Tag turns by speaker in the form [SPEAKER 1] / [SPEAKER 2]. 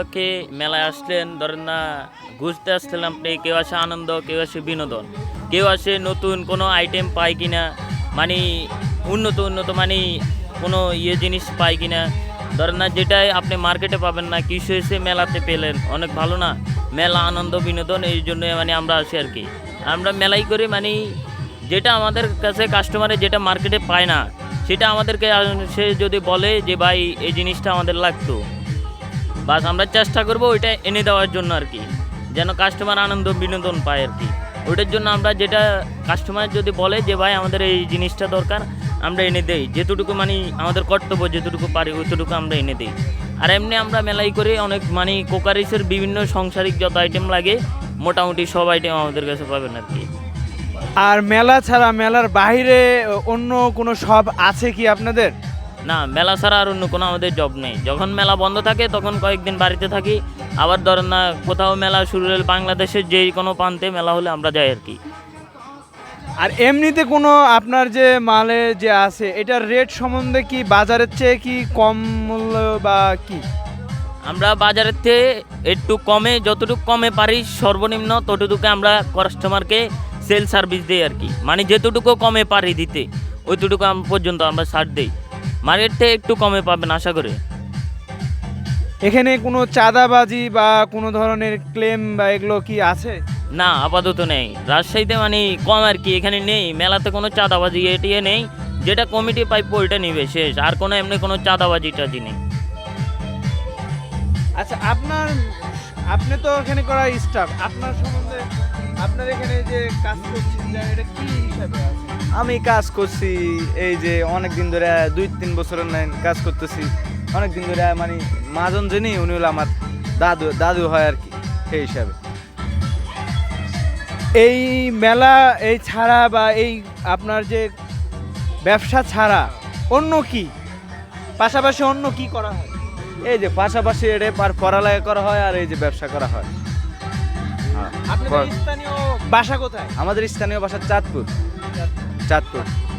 [SPEAKER 1] কে মেলায় আসলেন, ধরেন না ঘুরতে আসলেন আপনি, কেউ আসে আনন্দ, কেউ আসে বিনোদন, কেউ আসে নতুন কোনো আইটেম পায় কিনা, মানে উন্নত উন্নত মানে কোনো জিনিস পায় কিনা, ধরেন না যেটাই আপনি মার্কেটে পাবেন না, কিছু এসে মেলাতে পেলেন, অনেক ভালো না? মেলা আনন্দ বিনোদন, এই জন্য মানে আমরা আসি আর কি। আমরা মেলাই করি মানে যেটা আমাদের কাছে কাস্টমারে যেটা মার্কেটে পায় না, সেটা আমাদেরকে সে যদি বলে যে ভাই এই জিনিসটা আমাদের লাগতো, বাস আমরা চেষ্টা করবো ওইটা এনে দেওয়ার জন্য আর কি, যেন কাস্টমার আনন্দ বিনোদন পায় আর কি। ওইটার জন্য আমরা যেটা কাস্টমার যদি বলে যে ভাই আমাদের এই জিনিসটা দরকার, আমরা এনে দেই, যেটুকু মানে আমাদের কর্তব্য, যেটুকু পারি ওইটুকু আমরা এনে দিই। আর এমনি আমরা মেলাই করে অনেক মানে কোকারিসের বিভিন্ন সংসারিক যত আইটেম লাগে মোটামুটি সব আইটেম আমাদের কাছে পাবেন আর কি।
[SPEAKER 2] আর মেলা ছাড়া মেলার বাইরে অন্য কোনো শপ আছে কি আপনাদের?
[SPEAKER 1] না, মেলা ছাড়া আর অন্য কোনো আমাদের জব নেই। যখন মেলা বন্ধ থাকে তখন কয়েকদিন বাড়িতে থাকি, আবার ধরেন না কোথাও মেলা শুরু হলে বাংলাদেশের যেই কোনো প্রান্তে মেলা হলে আমরা যাই আর কি।
[SPEAKER 2] আর এমনিতে কোনো আপনার যে মালে যে আছে এটার রেট সম্বন্ধে কি বাজারের চেয়ে কি কম মূল্য বা কি?
[SPEAKER 1] আমরা বাজারের থেকে একটু কমে, যতটুকু কমে পারি সর্বনিম্ন ততটুকু আমরা কাস্টমারকে সেল সার্ভিস দিই আর কি, মানে যেতটুকু কমে পারি দিতে ওইটুকু পর্যন্ত আমরা ছাড় দিই। মার্কেট থেকে একটু কমে পাবেন আশা করি।
[SPEAKER 2] এখানে কোনো চাঁদাবাজি বা কোনো ধরনের ক্লেম বা এগুলো কি আছে?
[SPEAKER 1] না, আপাতত নেই রাজশাহীতে, মানে কম আর কি, এখানে নেই মেলাতে কোনো চাঁদাবাজি এটিয়ে নেই, যেটা কমিটি পাইপ ওইটা নিবে শেষ, আর কোনো এমনি কোনো চাঁদাবাজি টাজি নেই।
[SPEAKER 2] আচ্ছা, আপনি তো এখানে করা স্টাফ, আপনার সম্বন্ধে আপনার এখানে যে কাজ করছেন এটা কি হিসাবে আছে?
[SPEAKER 3] আমি কাজ করছি এই যে অনেক দিন ধরে 2-3 বছরের নাই কাজ করতেছি অনেক দিন ধরে, মানে মাজন যিনি উনি হলো আমার দাদু দাদু হয় আর কি, সেই হিসাবে।
[SPEAKER 2] এই মেলা এই ছাড়া বা এই আপনার যে ব্যবসা ছাড়া অন্য কি পাশাপাশি অন্য কি করা হয়?
[SPEAKER 3] এই যে পাশাপাশি এটা পড়ালেখা করা হয় আর এই যে ব্যবসা করা হয়।
[SPEAKER 2] আপনাদের স্থানীয় বাসা কোথায়?
[SPEAKER 3] আমাদের স্থানীয় বাসা চাঁদপুর। চাঁদপুর।